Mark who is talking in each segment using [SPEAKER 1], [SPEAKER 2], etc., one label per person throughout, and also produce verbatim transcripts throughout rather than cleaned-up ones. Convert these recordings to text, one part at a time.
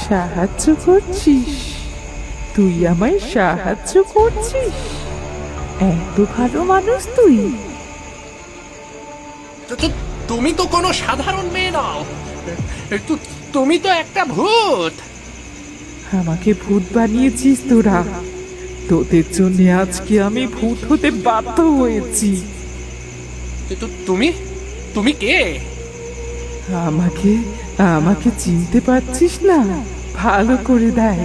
[SPEAKER 1] সাহায্য করছিস? তুই আমায় সাহায্য করছিস? এত ভালো মানুষ তুই?
[SPEAKER 2] তো- তো- তুমি তো কোনো সাধারণ মেয়ে নও, তু- তুমি তো একটা ভূত।
[SPEAKER 1] আমাকে ভূত বানিয়েছিস তোরা। তোদের জন্য আজকে আমি ভূত হতে বাধ্য হয়েছি।
[SPEAKER 2] তো- তো তুমি তুমি কে?
[SPEAKER 1] আমাকে আমাকে চিনতে পারছিস না? ভালো করে দেখ।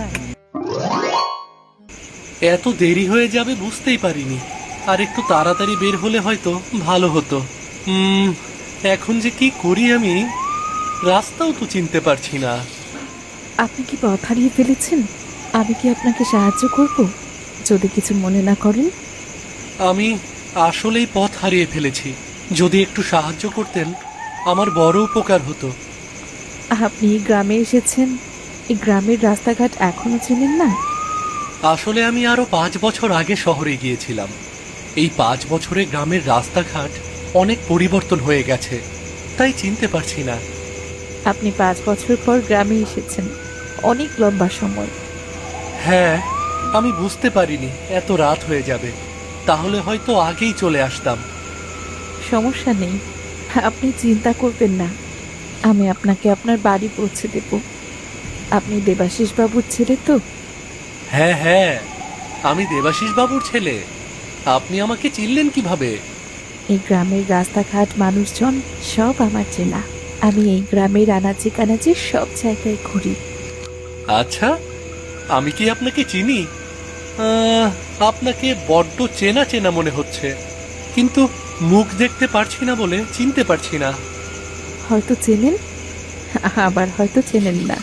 [SPEAKER 2] এত দেরি হয়ে যাবে বুঝতেই পারিনি। আর একটু তাড়াতাড়ি বের হলে হয়তো ভালো হতো। হুম এখন যে কি করি আমি, রাস্তাও তো চিনতে পারছি না।
[SPEAKER 3] আপনি কি পথ হারিয়ে ফেলেছেন? আমি কি আপনাকে সাহায্য করব, যদি কিছু মনে না করেন?
[SPEAKER 2] আমি আসলেই পথ হারিয়ে ফেলেছি। যদি একটু সাহায্য করতেন আমার বড় উপকার হতো।
[SPEAKER 3] আপনি এই গ্রামে এসেছেন, এই গ্রামের রাস্তাঘাট এখনো চেনেন না?
[SPEAKER 2] আসলে আমি আরো পাঁচ বছর আগে শহরে গিয়েছিলাম। এই পাঁচ বছরে গ্রামের রাস্তাঘাট অনেক পরিবর্তন হয়ে গেছে, তাই চিনতে পারছি না।
[SPEAKER 3] আপনি পাঁচ বছর পর গ্রামে এসেছেন, অনেক লম্বা সময়।
[SPEAKER 2] হ্যাঁ, আমি বুঝতে পারিনি এত রাত হয়ে যাবে, তাহলে হয়তো আগেই চলে আসতাম।
[SPEAKER 3] সমস্যা নেই, আপনি চিন্তা করবেন না। আমি আপনাকে আপনার বাড়ি পৌঁছে দেব। আপনি দেবাশিস বাবুর ছেলে তো?
[SPEAKER 2] হ্যাঁ হ্যাঁ, আমি দেবাশিস বাবুর ছেলে। আপনি আমাকে চিনলেন কিভাবে?
[SPEAKER 3] এই গ্রামের রাস্তাঘাট, মানুষজন সব আমার চেনা। আমি এই গ্রামের আনাচে কানাচে সব জায়গায় ঘুরি।
[SPEAKER 2] আচ্ছা, আমি কি আপনাকে চিনি? আহ, আপনাকে বড্ড চেনা চেনা মনে হচ্ছে, কিন্তু মুখ দেখতে পারছি না বলে চিনতে পারছি না।
[SPEAKER 3] হয়তো চেনেন, আবার হয়তো চেনেন না।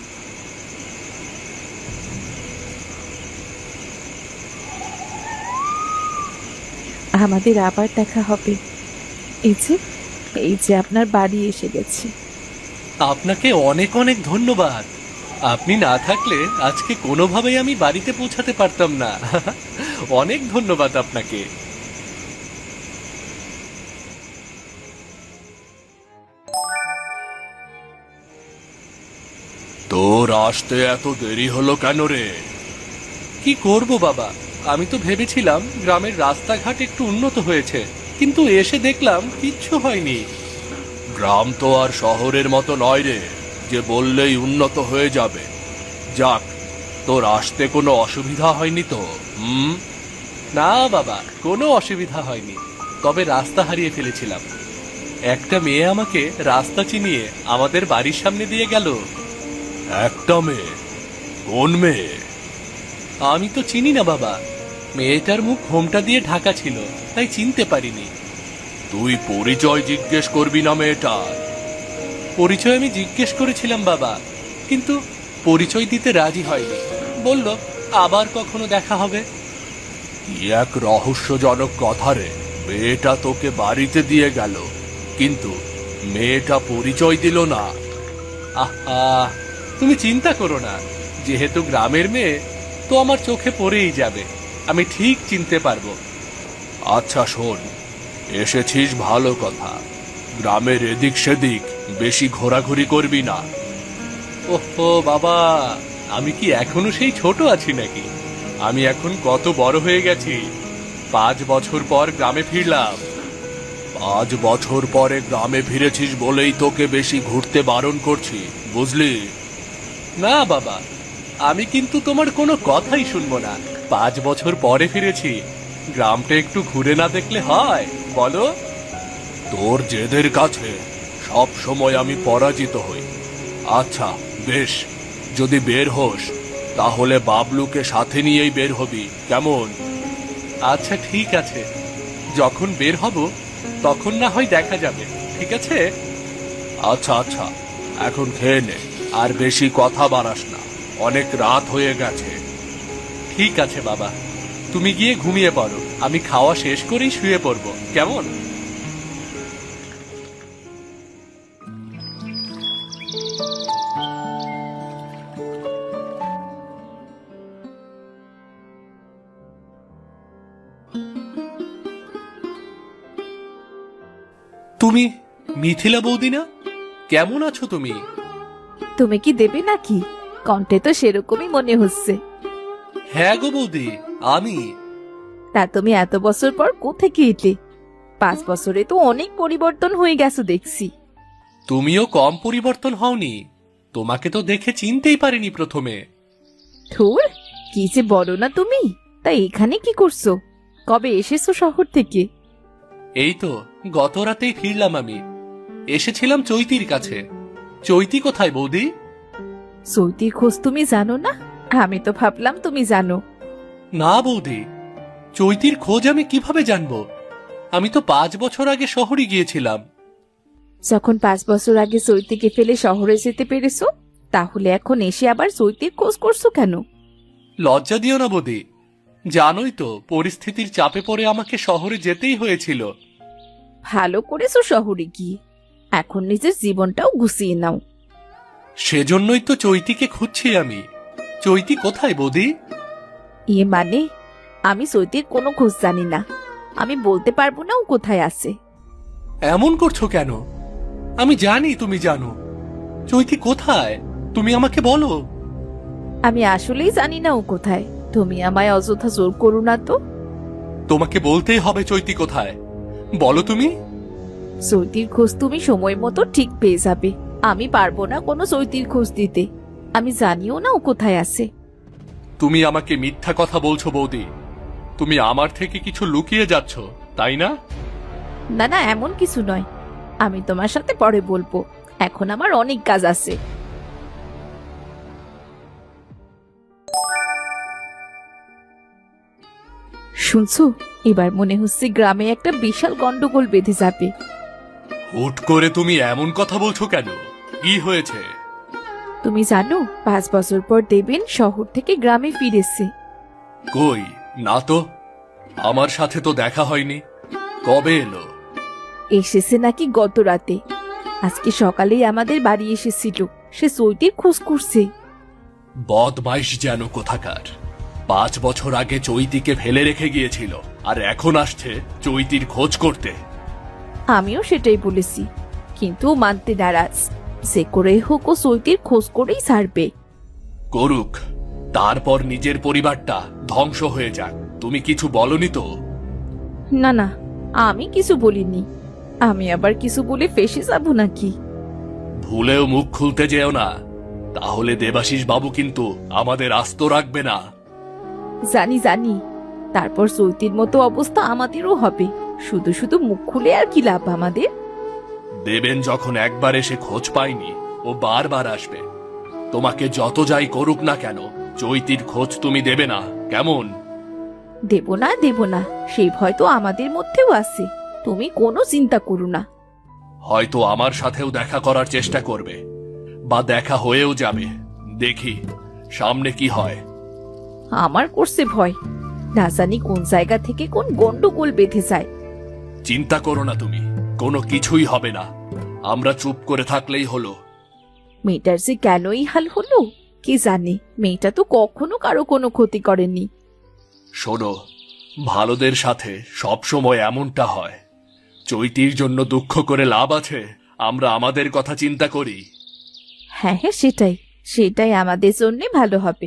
[SPEAKER 3] আমাদের আবার দেখা হবে। এই যে এই যে আপনার বাড়ি এসে গেছি।
[SPEAKER 2] আপনাকে অনেক অনেক ধন্যবাদ। আপনি না থাকলে আজকে কোনোভাবেই আমি বাড়িতে পৌঁছাতে পারতাম না। অনেক ধন্যবাদ আপনাকে। তোর আসতে এত দেরি হলো কেন রে? কি করব বাবা, আমি তো ভেবেছিলাম গ্রামের রাস্তাঘাট একটু উন্নত হয়েছে, কিন্তু এসে দেখলাম কিচ্ছু হয়নি। গ্রাম তো আর শহরের মতো নয় রে, যে বললেই উন্নত হয়ে যাবে। যাক, তোর আসতে কোনো অসুবিধা হয়নি তো? হুম, না বাবা, কোনো অসুবিধা হয়নি, তবে রাস্তা হারিয়ে ফেলেছিলাম। একটা মেয়ে আমাকে রাস্তা চিনিয়ে আমাদের বাড়ির সামনে দিয়ে গেল। একটা মেয়ে? কোন মেয়ে? আমি তো চিনি না বাবা, মেয়েটার মুখ ঘোমটা দিয়ে ঢাকা ছিল, তাই চিনতে পারিনি। তুই পরিচয় জিজ্ঞেস করবি না মেয়েটার? পরিচয় আমি জিজ্ঞেস করেছিলাম বাবা, কিন্তু পরিচয় দিতে রাজি হয়নি। বলল আবার কখনো দেখা হবে। কি এক রহস্যজনক কথা রে। মেয়েটা তোকে বাড়িতে দিয়ে গেল, কিন্তু মেয়েটা পরিচয় দিল না। আহা, তুমি চিন্তা করো না, যেহেতু গ্রামের মেয়ে, তো আমার চোখে পড়েই যাবে, আমি ঠিক চিনতে পারবো। আচ্ছা শোন, এসেছিস ভালো কথা, গ্রামের এদিক সেদিক বেশি ঘোরাঘুরি করবি না। ওহো বাবা, আমি কি এখনো সেই ছোট আছি নাকি? আমি এখন কত বড় হয়ে গেছি। পাঁচ বছর পর গ্রামে ফিরলাম। পাঁচ বছর পরে গ্রামে ফিরেছিস বলেই তোকে বেশি ঘুরতে বারণ করছি, বুঝলি? না বাবা, আমি কিন্তু তোমার কোনো কথাই শুনবো না। পাঁচ বছর পরে ফিরেছি, গ্রামটা একটু ঘুরে না দেখলে হয় বলো? তোর জেদের কাছে সব সময় আমি পরাজিত হই। আচ্ছা বেশ, যদি বের হোস তাহলে বাবলুকে সাথে নিয়েই বের হবি, কেমন? আচ্ছা ঠিক আছে, যখন বের হব তখন না হয় দেখা যাবে, ঠিক আছে? আচ্ছা আচ্ছা, এখন খেয়ে নে, আর বেশি কথা বাড়াস না, অনেক রাত হয়ে গেছে। ঠিক আছে বাবা, তুমি গিয়ে ঘুমিয়ে পড়ো, আমি খাওয়া শেষ করেই শুয়ে পড়বো, কেমন? তুমি মিথিলা বৌদি না? কেমন আছো তুমি?
[SPEAKER 3] তুমি কি দেবে নাকি? কণ্ঠে তো সেরকমই মনে হচ্ছে।
[SPEAKER 2] হ্যাঁ গো বৌদি, আমি।
[SPEAKER 3] তা তুমি এত বছর পর কোথেকে এলে? পাঁচ বছরে তো অনেক পরিবর্তন হয়ে গেছো দেখছি।
[SPEAKER 2] তুমিও কম পরিবর্তন হওনি। তোমাকে তো দেখে চিনতেই পারিনি প্রথমে।
[SPEAKER 3] ধুর, কি যে বলো না তুমি। তা এখানে কি করছো? কবে এসেছো শহর থেকে?
[SPEAKER 2] এই তো গত রাতেই ফিরলাম আমি। এসেছিলাম চৈতির কাছে। চৈতি কোথায় বৌদি?
[SPEAKER 3] সৈতির খোঁজ তুমি জানো না? আমি তো ভাবলাম তুমি জানো।
[SPEAKER 2] না বৌদি, চৈতির খোঁজ আমি কিভাবে জানবো? আমি তো পাঁচ বছর আগে শহরে গিয়েছিলাম।
[SPEAKER 3] যখন পাঁচ বছর আগে চৈতিকে ফেলে শহরে যেতে পেরেছো, তাহলে এখন এসে আবার চৈতির খোঁজ করছো কেন?
[SPEAKER 2] লজ্জা দিও না বৌদি, জানোই তো পরিস্থিতির চাপে পড়ে আমাকে শহরে যেতেই হয়েছিল।
[SPEAKER 3] ভালো করেছো শহরে গিয়ে। এখন নিজের জীবনটাও গুছিয়ে নাও।
[SPEAKER 2] সেজন্যই তো চৈতিকে খুঁজছি আমি। চৈতি কোথায় বৌদি?
[SPEAKER 3] ইয়ে মানে, আমি চৈতির কোনো খোঁজ জানি না। আমি বলতে পারবো না ও কোথায় আছে।
[SPEAKER 2] এমন করছো কেন? আমি জানি তুমি জানো। চৈতি কোথায় তুমি আমাকে বলো।
[SPEAKER 3] আমি আসলেই জানি না ও কোথায়। তুমি আমায় অযথা জোর করো না তো।
[SPEAKER 2] তোমাকে বলতেই হবে চৈতি কোথায়। বলো তুমি।
[SPEAKER 3] চৈতির খোঁজ তুমি সময় মতো ঠিক পেয়ে যাবে। আমি পারবো না কোনো চৈতির খোঁজ দিতে। আমি জানিও না ও কোথায় আছে।
[SPEAKER 2] তুমি আমাকে মিথ্যা কথা বলছো বৌদি। তুমি আমার থেকে কিছু লুকিয়ে যাচ্ছ, তাই না?
[SPEAKER 3] না না, এমন কিছু নয়। আমি তোমার সাথে পরে বলবো। এখন আমার অনেক কাজ আছে। শুনছো, এবার মনে হচ্ছে গ্রামে একটা বিশাল গন্ডগোল বেঁধে যাবে।
[SPEAKER 2] হুট করে তুমি এমন কথা বলছো কেন? কি হয়েছে?
[SPEAKER 3] তুমি জানো, পাঁচ বছর পর দেবেন শহর থেকে গ্রামে ফিরেছে।
[SPEAKER 2] কই না তো, আমার সাথে তো দেখা হয়নি। কবে এলো?
[SPEAKER 3] এসেছে নাকি গত রাতে। আজকে সকালেই আমাদের বাড়ি এসেছিল। সে চৈতির খোঁজ করছে।
[SPEAKER 2] বদমাইশ যেন কোথাকার। পাঁচ বছর আগে চৈতিকে ফেলে রেখে গিয়েছিল, আর এখন আসছে চৈতির খোঁজ করতে।
[SPEAKER 3] আমিও সেটাই বলেছি, কিন্তু ও মানতে নারাজ। যে করে হোক ও চৈতির খোঁজ করেই ছাড়বে।
[SPEAKER 2] করুক, তারপর নিজের পরিবারটা ধ্বংস হয়ে যাক। তুমি কিছু বলনি তো?
[SPEAKER 3] না না, আমি কিছু বলিনি। আমি আবার কিছু বলে ফেসে যাব নাকি?
[SPEAKER 2] ভুলেও মুখ খুলতে যেও না, তাহলে দেবাশিস বাবু কিন্তু আমাদের আস্ত রাখবে না।
[SPEAKER 3] জানি জানি, তারপর চৈতির মতো অবস্থা আমাদেরও হবে। শুধু শুধু মুখ খুলে আর কি লাভ আমাদের?
[SPEAKER 2] দেবেন যখন একবার এসে খোঁজ পায়নি, ও বারবার আসবে। তোমাকে যত যাই করুক না কেন, চৈতির খোঁজ তুমি দেবে না, কেমন?
[SPEAKER 3] দেব না দেব না, সেই ভয় তো আমাদের মধ্যেও আছে। তুমি কোনো চিন্তা করো না।
[SPEAKER 2] হয়তো আমার সাথেও দেখা করার চেষ্টা করবে, বা দেখা হয়েও যাবে। দেখি সামনে কি হয়।
[SPEAKER 3] আমার করছে ভয়। না জানি কোন জায়গা থেকে কোন গন্ডগোল বেঁধে যায়।
[SPEAKER 2] চিন্তা করো না তুমি, কোনো কিছুই হবে না। আমরা চুপ করে থাকলেই হলো।
[SPEAKER 3] মেয়েটার যে কেনই হাল হলো কি জানে। মেয়েটা তো কখনো কারো কোনো ক্ষতি করেনি।
[SPEAKER 2] শোনো, ভালোদের সাথে সব সময় এমনটা হয়। চৈতির জন্য দুঃখ করে লাভ আছে? আমরা আমাদের কথা চিন্তা করি।
[SPEAKER 3] হ্যাঁ হ্যাঁ, সেটাই সেটাই আমাদের জন্য ভালো হবে।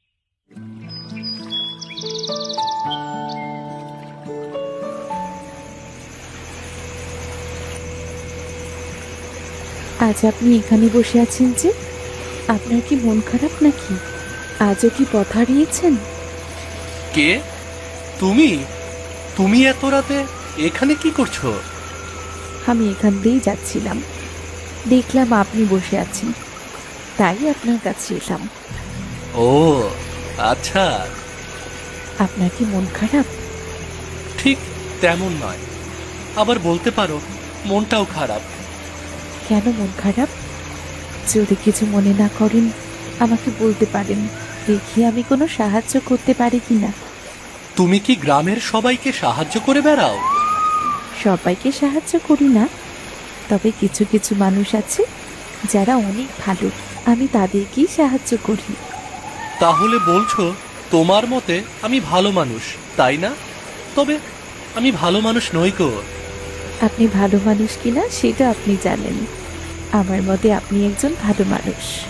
[SPEAKER 3] আজ আপনি এখানে বসে আছেন যে? আপনার কি মন খারাপ নাকি? আজও কি পথ হারিয়েছেন?
[SPEAKER 2] কে তুমি? তুমি এত রাতে এখানে কি করছো?
[SPEAKER 3] আমি এখান দিয়েই যাচ্ছিলাম, দেখলাম আপনি বসে আছেন, তাই আপনার কাছে এলাম।
[SPEAKER 2] ও আচ্ছা।
[SPEAKER 3] আপনার কি মন খারাপ?
[SPEAKER 2] ঠিক তেমন নয়, আবার বলতে পারো মনটাও খারাপ।
[SPEAKER 3] কেন মন খারাপ? যদি কিছু মনে না করেন আমাকে বলতে পারেন, দেখি আমি কোনো সাহায্য করতে পারি কিনা।
[SPEAKER 2] তুমি কি গ্রামের সবাইকে সাহায্য করে বেড়াও?
[SPEAKER 3] সবাইকে সাহায্য করি না, তবে কিছু কিছু মানুষ আছে যারা অনেক ভালো, আমি তাদেরকেই সাহায্য করি।
[SPEAKER 2] তাহলে বলছো তোমার মতে আমি ভালো মানুষ, তাই না? তবে আমি ভালো মানুষ নই গো।
[SPEAKER 3] আপনি ভালো মানুষ কিনা সেটা আপনি জানেন। আমার মতে আপনি একজন ভালো মানুষ।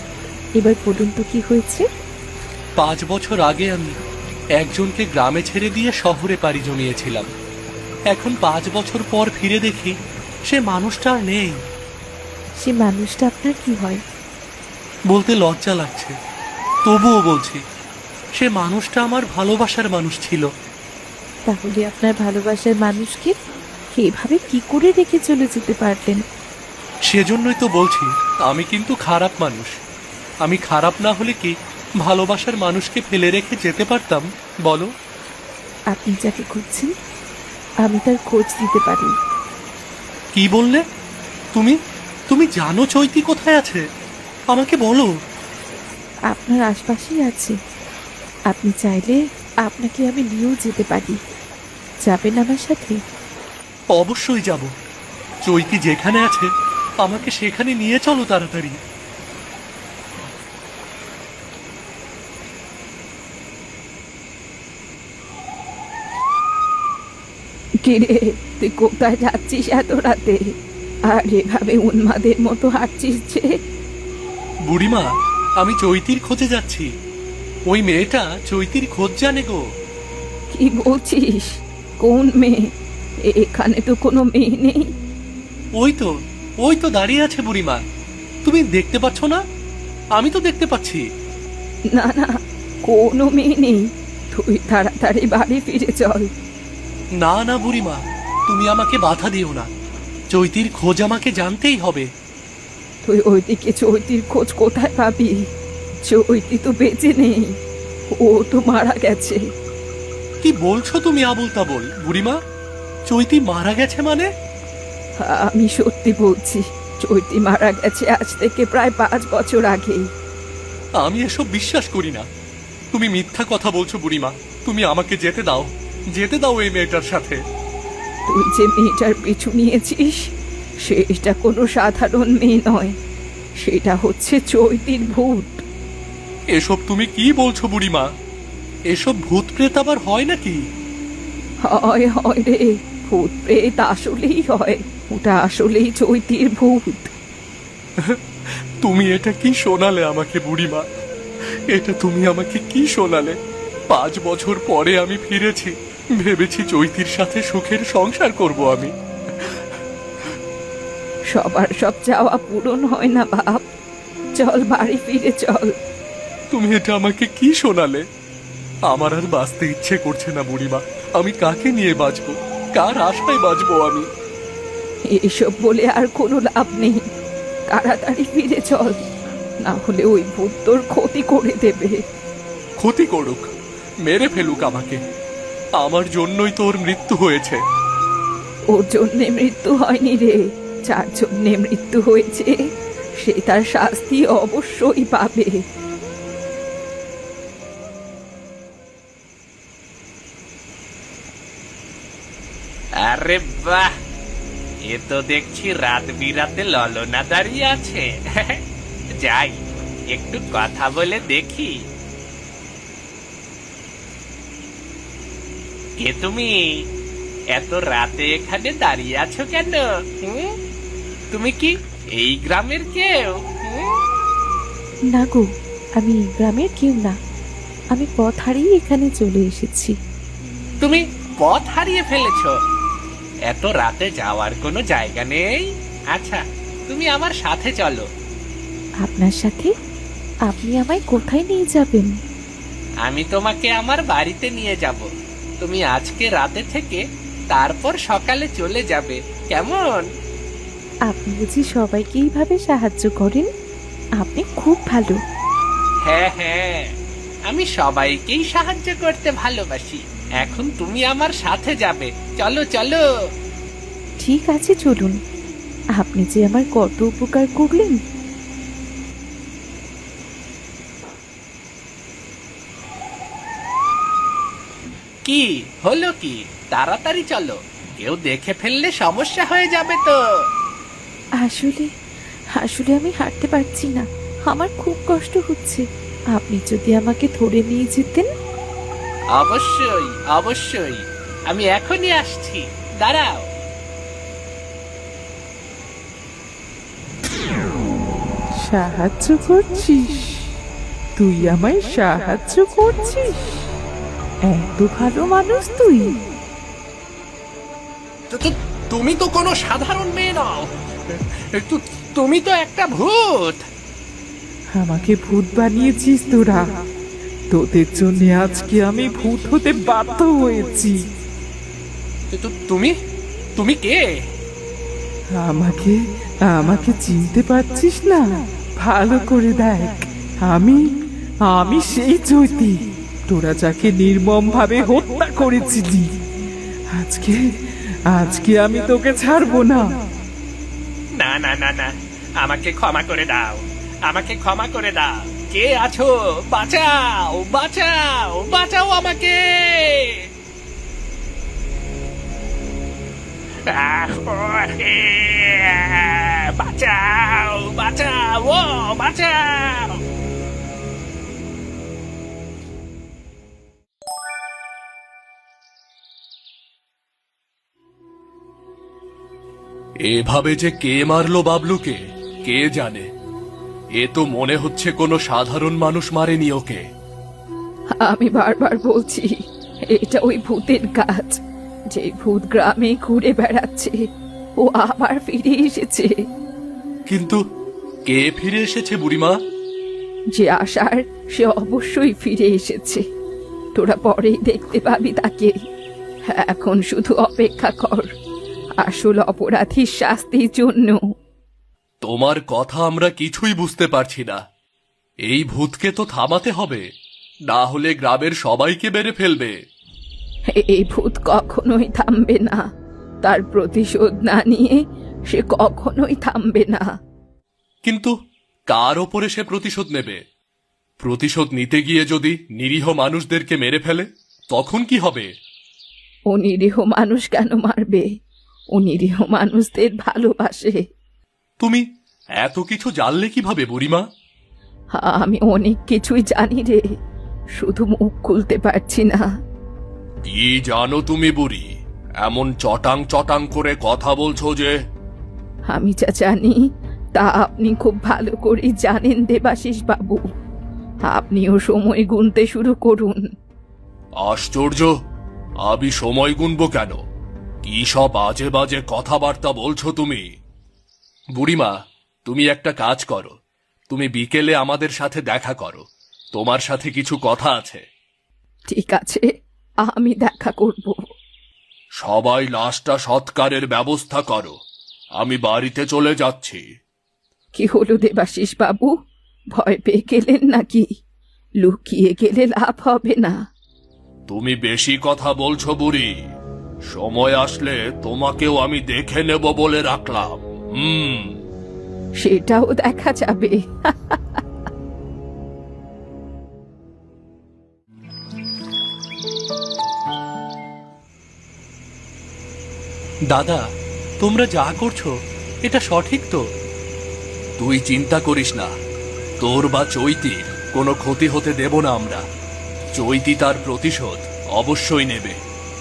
[SPEAKER 3] এবার বলুন তো কি হয়েছে?
[SPEAKER 2] পাঁচ বছর আগে আমি একজনকে গ্রামে ছেড়ে দিয়ে শহরে পাড়ি জমিয়েছিলাম। এখন পাঁচ বছর পর ফিরে দেখি সে মানুষটা আর নেই।
[SPEAKER 3] সে মানুষটা আপনার কি হয়?
[SPEAKER 2] বলতে লজ্জা লাগছে, তবুও বলছি, সে মানুষটা আমার ভালোবাসার মানুষ ছিল।
[SPEAKER 3] তাহলে আপনার ভালোবাসার মানুষকে এভাবে কি করে রেখে চলে যেতে পারলেন?
[SPEAKER 2] সেজন্যই তো বলছি আমি কিন্তু খারাপ মানুষ। আমি খারাপ না হলে কি ভালোবাসার মানুষকে ফেলে রেখে যেতে পারতাম বলো?
[SPEAKER 3] আপনি যাকে খুঁজছেন আমি তার খোঁজ দিতে পারি।
[SPEAKER 2] কি বললে? তুমি তুমি জানো চৈতি কোথায় আছে? আমাকে বলো।
[SPEAKER 3] আপনার আশপাশেই আছে। আপনি চাইলে আপনাকে আমি নিয়েও যেতে পারি। যাবেন আমার সাথে?
[SPEAKER 2] অবশ্যই যাব। চৈতি যেখানে আছে আমাকে সেখানে নিয়ে চলো তাড়াতাড়ি।
[SPEAKER 3] কিরে, তুই কোথায় যাচ্ছিস এত রাতে? আর এভাবে উন্মাদের মতো হাঁটছিস যে?
[SPEAKER 2] বুড়িমা, আমি চৈতির খোঁজে যাচ্ছি। ওই মেয়েটা চৈতির খোঁজ জানে গো।
[SPEAKER 3] কি বলছিস? কোন মেয়ে? এখানে তো কোনো মেয়ে নেই।
[SPEAKER 2] ওই তো ওই তো দাঁড়িয়ে আছে বুড়িমা। তুমি দেখতে পাচ্ছ না? আমি তো দেখতে পাচ্ছি।
[SPEAKER 3] না না, কোনো মেয়ে নেই। তুই তাড়াতাড়ি বাড়ি ফিরে চল।
[SPEAKER 2] না না বুড়িমা, তুমি আমাকে বাধা দিও না। চৈতির খোঁজ আমাকে জানতেই হবে।
[SPEAKER 3] তুই ওইদিকে চৈতির খোঁজ কোথায় পাবি? চৈতি তো বেঁচে নেই, ও তো মারা গেছে।
[SPEAKER 2] কি বলছো তুমি আবুল তাবুল বুড়িমা? চৈতি মারা গেছে মানে?
[SPEAKER 3] আমি সত্যি বলছি, চৈতি মারা গেছে আজ থেকে প্রায় পাঁচ বছর আগে।
[SPEAKER 2] আমি এসব বিশ্বাস করি না। তুমি মিথ্যা কথা বলছো বুড়িমা। তুমি আমাকে যেতে দাও, যেতে দাও এই মেয়েটার সাথে।
[SPEAKER 3] তুই যে মেয়েটার পিছু নিয়েছিস সেটা কোনো সাধারণ মেয়ে নয়, সেটা হচ্ছে চৈতির ভূত।
[SPEAKER 2] এসব তুমি কি বলছো বুড়িমা? এসব ভূত প্রেত আবার হয় নাকি?
[SPEAKER 3] হয় হয় রে, ভূত প্রেত আসলেই হয়। ওটা আসলেই চৈতির ভূত।
[SPEAKER 2] তুমি এটা কি শোনালে আমাকে বুড়িমা? এটা তুমি আমাকে কি শোনালে? পাঁচ বছর পরে আমি ফিরেছি, ভেবেছি চৈতির সাথে সুখের সংসার করব আমি।
[SPEAKER 3] সবার সব চাওয়া পূরণ হয় না বাপ। চল বাড়ি ফিরে চল।
[SPEAKER 2] তুমি এটা আমাকে কি শোনালে? আমার আর বাঁচতে ইচ্ছে করছে না বুড়িমা। আমি কাকে নিয়ে বাঁচবো? কার আশায় বাঁচবো আমি?
[SPEAKER 3] এসব বলে আর কোনো লাভ নেই। তাড়াতাড়ি ফিরে চল, না হলে ওই ভূত তোর ক্ষতি করে দেবে।
[SPEAKER 2] ক্ষতি করুক, মেরে ফেলুক আমাকে। আমার জন্যই তোর মৃত্যু হয়েছে।
[SPEAKER 3] ওর জন্যে মৃত্যু হয়নি রে, যার জন্যে মৃত্যু হয়েছে সে তার শাস্তি অবশ্যই পাবে।
[SPEAKER 4] আরে বাহ, এ তো দেখছি রাত বিরাতে ললনা দাঁড়িয়ে আছে। যাই, একটু কথা বলে দেখি। কে তুমি? এত রাতে এখানে দাঁড়িয়ে আছো কেন? হুম? তুমি কি এই গ্রামের কেউ? হুম?
[SPEAKER 3] না গো, আমি এই গ্রামের কেউ না। আমি পথ হারিয়ে এখানে চলে এসেছি।
[SPEAKER 4] তুমি পথ হারিয়ে ফেলেছো? এত রাতে যাওয়ার কোনো জায়গা নেই? আচ্ছা, তুমি আমার সাথে চলো।
[SPEAKER 3] আপনার সাথে? আপনি আমায় কোথায় নিয়ে যাবেন?
[SPEAKER 4] আমি তোমাকে আমার বাড়িতে নিয়ে যাব। তুমি আজকে রাতে থেকে তারপর সকালে চলে যাবে, কেমন?
[SPEAKER 3] আপনি বুঝি সবাইকে এইভাবে সাহায্য করেন? আপনি খুব ভালো।
[SPEAKER 4] হ্যাঁ হ্যাঁ, আমি সবাইকেই সাহায্য করতে ভালোবাসি। এখন তুমি আমার সাথে যাবে, চলো চলো।
[SPEAKER 3] ঠিক আছে চলুন। আপনি যে আমার কত উপকার করলেন।
[SPEAKER 4] কি হলো কি? তাড়াতাড়ি চলো, কেউ দেখে ফেললে সমস্যা হয়ে যাবে তো।
[SPEAKER 3] আসলে আসলে আমি হাঁটতে পারছি না, আমার খুব কষ্ট হচ্ছে। আপনি যদি আমাকে ধরে নিয়ে যেতেন।
[SPEAKER 4] অবশ্যই অবশ্যই, আমি এখনই আসছি, দাঁড়াও।
[SPEAKER 1] সাহায্য করছিস? তুই আমায় সাহায্য করছিস? এত ভালো মানুষ তুই?
[SPEAKER 2] তো- তো- তুমি তো কোনো সাধারণ মেয়ে নও, তু- তুমি তো একটা ভূত।
[SPEAKER 1] আমাকে ভূত বানিয়েছিস তোরা। তোদের জন্য আজকে আমি ভূত হতে বাধ্য হয়েছি।
[SPEAKER 2] তো- তো তুমি তুমি কে?
[SPEAKER 1] আমাকে আমাকে চিনতে পারছিস না? ভালো করে দেখ, আমি আমি সেই চৈতি তোরা যাকে নির্মম ভাবে হত্যা করেছিলি। আজকে আজকে আমি তোকে ছাড়বো না।
[SPEAKER 4] না না না না, আমাকে ক্ষমা করে দাও, আমাকে ক্ষমা করে দাও। কে আছো? বাঁচাও, বাঁচাও, বাঁচাও আমাকে। আহ, ও, এ, বাঁচাও, বাঁচাও, ও বাঁচাও।
[SPEAKER 2] এভাবে যে কে মারলো বাবলুকে কে জানে। এ তো মনে হচ্ছে কোনো সাধারণ মানুষ মারেনি ওকে।
[SPEAKER 3] আমি বারবার বলছি, এটা ওই ভূতের কাজ। যে ভূত গ্রামে ঘুরে বেড়াচ্ছে, ও আবার ফিরে এসেছে।
[SPEAKER 2] কিন্তু কে ফিরে এসেছে বুড়িমা?
[SPEAKER 3] যে আসার সে অবশ্যই ফিরে এসেছে। তোরা পরেই দেখতে পাবি তাকে। এখন শুধু অপেক্ষা কর আসল অপরাধীর শাস্তির জন্য।
[SPEAKER 2] তোমার কথা আমরা কিছুই বুঝতে পারছি না। এই ভূতকে তো থামাতে হবে, না হলে গ্রামের সবাইকে মেরে ফেলবে।
[SPEAKER 3] এই ভূত কখনোই থামবে না। তার প্রতিশোধ না নিয়ে সে কখনোই থামবে না।
[SPEAKER 2] কিন্তু কার ওপরে সে প্রতিশোধ নেবে? প্রতিশোধ নিতে গিয়ে যদি নিরীহ মানুষদেরকে মেরে ফেলে তখন কি হবে?
[SPEAKER 3] ও নিরীহ মানুষ কেন মারবে? ও নিরীহ মানুষদের ভালোবাসে।
[SPEAKER 2] তুমি এত কিছু জানলে কিভাবে বুড়িমা?
[SPEAKER 3] আমি অনেক কিছুই জানি রে, শুধু মুখ খুলতে পারছি না।
[SPEAKER 2] কি জানো তুমি বুড়ি? এমন চটাং চটাং করে কথা বলছো যে।
[SPEAKER 3] আমি যা জানি তা আপনি খুব ভালো করে জানেন দেবাশিস বাবু। আপনিও সময় গুনতে শুরু করুন।
[SPEAKER 2] আশ্চর্য, আমি সময় গুনবো কেন? কি সব বাজে বাজে কথাবার্তা বলছো তুমি? বুড়িমা, তুমি একটা কাজ করো, তুমি বিকেলে আমাদের সাথে দেখা করো, তোমার সাথে কিছু কথা আছে।
[SPEAKER 3] ঠিক আছে, আমি দেখা করব।
[SPEAKER 2] সবাই লাশটা সৎকারের ব্যবস্থা করো, আমি বাড়িতে চলে যাচ্ছি।
[SPEAKER 3] কি হলো দেবাশিস বাবু, ভয় পেয়ে গেলেন নাকি? লুকিয়ে গেলে লাভ হবে না।
[SPEAKER 2] তুমি বেশি কথা বলছো বুড়ি, সময় আসলে তোমাকেও আমি দেখে নেব বলে রাখলাম। হুম।
[SPEAKER 3] সেটাও দেখা যাবে।
[SPEAKER 2] দাদা, তোমরা যা করছো এটা সঠিক তো? তুই চিন্তা করিস না, তোর বা চৈতির কোনো ক্ষতি হতে দেব না আমরা। চৈতি তার প্রতিশোধ অবশ্যই নেবে।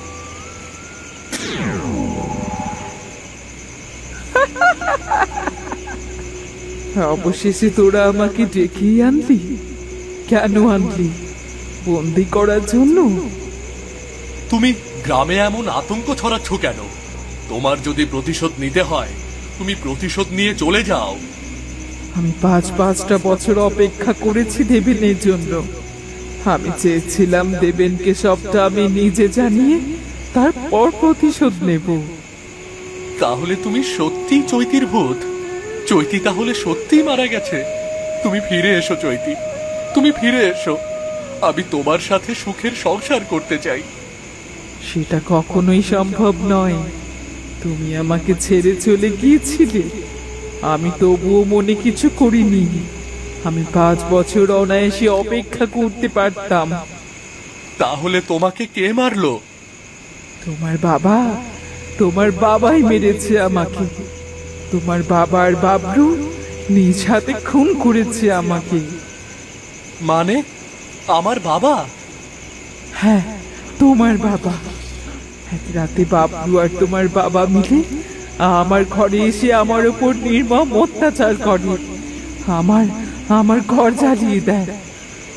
[SPEAKER 1] অবশেষে তোরা আমাকে ডেকেই আনলি। কেন আনলি? বন্দি করার জন্য?
[SPEAKER 2] তুমি গ্রামে এমন আতঙ্ক ছড়াচ্ছ কেন? তোমার যদি প্রতিশোধ নিতে হয় তুমি প্রতিশোধ নিয়ে চলে যাও।
[SPEAKER 1] আমি পাঁচ পাঁচটা বছর অপেক্ষা করেছি দেবেনের জন্য। আমি চেয়েছিলাম দেবেনকে সবটা আমি নিজে জানিয়ে তারপর প্রতিশোধ নেব।
[SPEAKER 2] তাহলে তুমি সত্যিই চৈতির ভূত? চৈতি তাহলে সত্যিই মারা গেছে? তুমি ফিরে এসো চৈতি, তুমি ফিরে এসো। আমি তোমার সাথে সুখের সংসার করতে চাই।
[SPEAKER 1] সেটা কখনোই সম্ভব নয়। তুমি আমাকে ছেড়ে চলে গিয়েছিলে, আমি তবুও মনে কিছু করিনি। আমি পাঁচ বছর অনায়াসে অপেক্ষা করতে পারতাম।
[SPEAKER 2] তাহলে তোমাকে কে মারলো?
[SPEAKER 1] তোমার বাবা, তোমার বাবাই মেরেছে আমাকে। তোমার বাবার বাবলু নিজ হাতে খুন করেছে আমাকে।
[SPEAKER 2] মানে আমার বাবা?
[SPEAKER 1] হ্যাঁ, তোমার বাবা। এক রাতে বাবলু আর তোমার বাবা মিলে আমার ঘরে এসে আমার উপর নির্মম অত্যাচার করে। আমার আমার ঘর জ্বালিয়ে দেয়।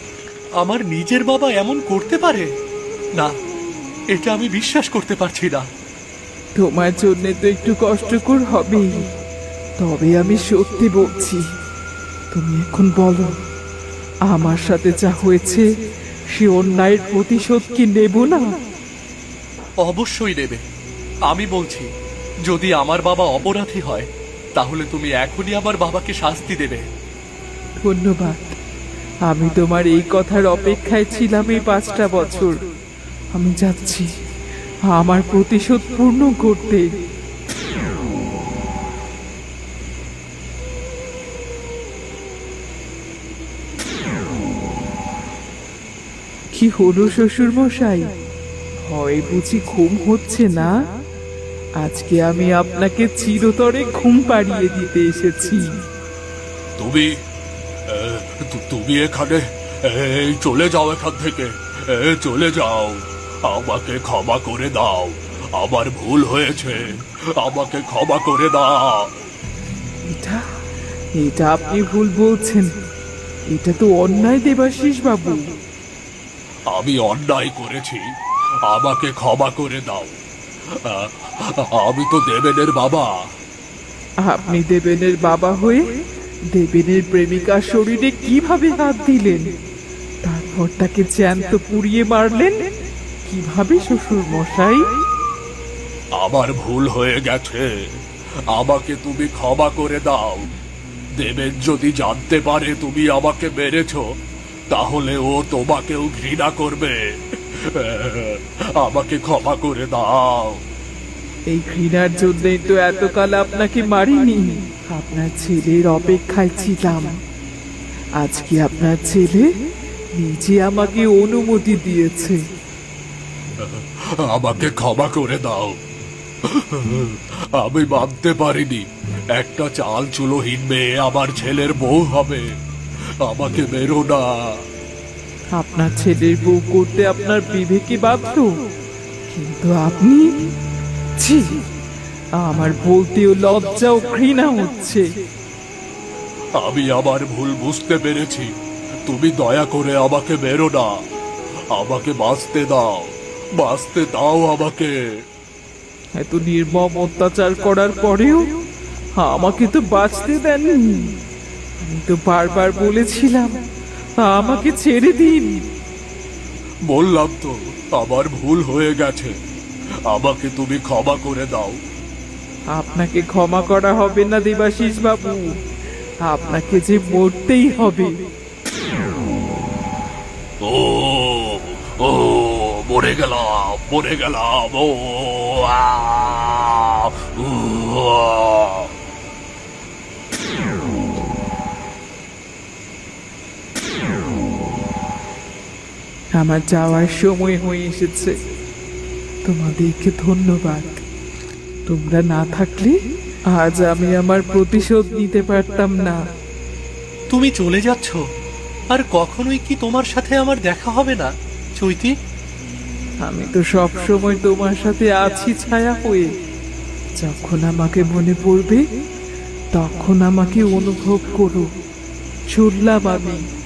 [SPEAKER 2] আমার নিজের বাবা এমন করতে পারে? না, এটা আমি বিশ্বাস করতে পারছি না।
[SPEAKER 1] তোমার জন্য তো একটু কষ্টকর হবেই, তবে আমি সত্যি বলছি। তুমি এখন বলো, আমার সাথে যা হয়েছে সে অন্যায়ের প্রতিশোধ কি নেব না?
[SPEAKER 2] অবশ্যই নেবে। আমি বলছি, যদি আমার বাবা অপরাধী হয় তাহলে তুমি এখনই আমার বাবাকে শাস্তি দেবে।
[SPEAKER 1] ধন্যবাদ। আমি তোমার এই কথার অপেক্ষায় ছিলাম এই পাঁচটা বছর। আমি যাচ্ছি আমার প্রতিশোধ পূর্ণ করতে। কি হলো শ্বশুর মশাই, হয় বুঝি ঘুম হচ্ছে না? আজকে আমি আপনাকে চিরতরে ঘুম পাড়িয়ে দিতে এসেছি।
[SPEAKER 2] তুমি এ, তু- তুমি এখানে, এই চলে যাও এখান থেকে, এ, চলে যাও। আমাকে ক্ষমা করে দাও, আমার ভুল হয়েছে, আমাকে ক্ষমা করে দাও।
[SPEAKER 1] এটা এটা আপনি ভুল বলছেন। এটা তো অন্যায় দেবাশিস বাবু।
[SPEAKER 2] আমি অন্যায় করেছি, আমাকে ক্ষমা করে দাও। আ- আমি তো দেবেনের বাবা।
[SPEAKER 1] আপনি দেবেনের বাবা হয়ে দেবেনের প্রেমিকার শরীরে কিভাবে হাত দিলেন? তারপর তাকে জ্যান্ত পুড়িয়ে মারলেন কিভাবে শ্বশুর মশাই?
[SPEAKER 2] আমার ভুল হয়ে গেছে, আমাকে তুমি ক্ষমা করে দাও। দেবেন যদি জানতে পারে তুমি আমাকে মেরেছ, তাহলে ও তোমাকেও ঘৃণা করবে। আমাকে ক্ষমা করে দাও।
[SPEAKER 1] এই ঘৃণার জন্যই তো এতকাল আপনাকে মারিনি। আপনার ছেলের অপেক্ষায় ছিলাম। আজকে আপনার ছেলে নিজে আমাকে অনুমতি দিয়েছে।
[SPEAKER 2] আমাকে ক্ষমা করে দাও। আমি মানতে পারিনি একটা চাল চুলোহীন মেয়ে আমার ছেলের বউ হবে। আমাকে মেরো না।
[SPEAKER 1] আপনার ছেলের বউ করতে আপনার বিবেকে বাধ্য, কিন্তু আপনি, ছি, আমার বলতেও লজ্জা ও ঘৃণা হচ্ছে।
[SPEAKER 2] আমি আমার ভুল বুঝতে পেরেছি, তুমি দয়া করে আমাকে মেরো না। আমাকে বাঁচতে দাও, বাঁচতে দাও আমাকে।
[SPEAKER 1] এত নির্মম অত্যাচার করার পরেও আমাকে তো বাঁচতে দেননি। আমি তো বারবার বলেছিলাম আমাকে ছেড়ে দিন।
[SPEAKER 2] বললাম তো আমার ভুল হয়ে গেছে, আমাকে তুমি ক্ষমা করে দাও।
[SPEAKER 1] আপনাকে ক্ষমা করা হবে না দেবাশিস বাবু, আপনাকে যে মরতেই হবে।
[SPEAKER 2] ও ও মরে গেলাম, মরে গেলাম। ও আ, উ, আ।
[SPEAKER 1] আমার যাওয়ার সময় হয়ে এসেছে। তোমাদেরকে ধন্যবাদ। তোমরা না থাকলে আজ আমি আমার প্রতিশোধ নিতে পারতাম না।
[SPEAKER 2] তুমি চলে যাচ্ছ, আর কখনোই কি তোমার সাথে আমার দেখা হবে না চৈতি?
[SPEAKER 1] আমি তো সব সময় তোমার সাথে আছি ছায়া হয়ে। যখন আমাকে মনে পড়বে তখন আমাকে অনুভব করো। চললাম আমি।